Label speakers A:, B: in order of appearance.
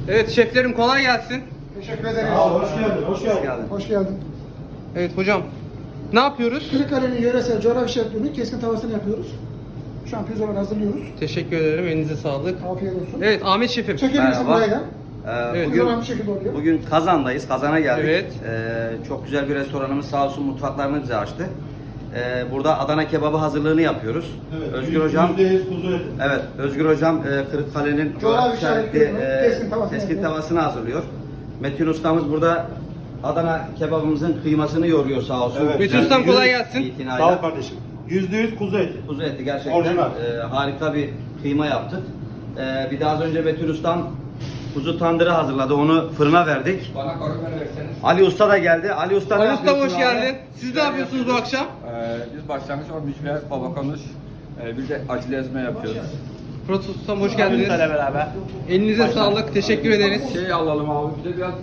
A: Evet şeflerim kolay gelsin.
B: Teşekkür ederiz.
C: Sağ ol, hoş geldin, hoş geldin.
B: Hoş geldin.
A: Evet hocam. Ne yapıyoruz?
B: Kırıkkale'nin yöresel coğrafi şefliğinin keskin tavasını yapıyoruz. Şu an pirzolanı hazırlıyoruz.
A: Teşekkür ederim. Elinize sağlık.
B: Afiyet olsun.
A: Evet Ahmet şefim.
B: Çekebilirsin
D: Merhaba.
B: buraya gel.
A: Evet.
B: Pirzolan bu şekilde oluyor.
D: Bugün Kazan'dayız. Kazan'a geldik.
A: Evet.
D: Çok güzel bir restoranımız sağ olsun mutfaklarını bize açtı. Burada Adana kebabı hazırlığını yapıyoruz.
C: Evet,
D: Özgür Hocam,
C: %100 kuzu eti.
D: evet, Özgür Hocam Kırıkkale'nin
B: Coğrafi
D: işaretli
B: işaretli keskin tavasını
D: tavasını hazırlıyor. Metin ustamız burada Adana kebabımızın kıymasını yoruyor sağ olsun.
C: Evet.
A: Metin ustam kolay gelsin.
D: İtinayla.
C: Sağ ol kardeşim. %100 kuzu eti.
D: Kuzu eti gerçekten
C: Orijinal.
D: harika bir kıyma yaptık. Bir de az önce Metin ustam kuzu tandırı hazırladı. Onu fırına verdik.
E: Bana koruma verseniz.
D: Ali Usta da geldi. Ali Usta ne
A: Ali Usta hoş
D: yapıyorsun abi?
A: geldin. Siz ne yapıyorsunuz bu akşam?
E: Biz başlangıç olmuş ve baba konuş. Bir de acılı ezme yapıyoruz.
A: Fırat Ustam hoş geldiniz.
C: beraber.
A: Elinize sağlık. Teşekkür ederiz.
E: Şey alalım abi, bir de biraz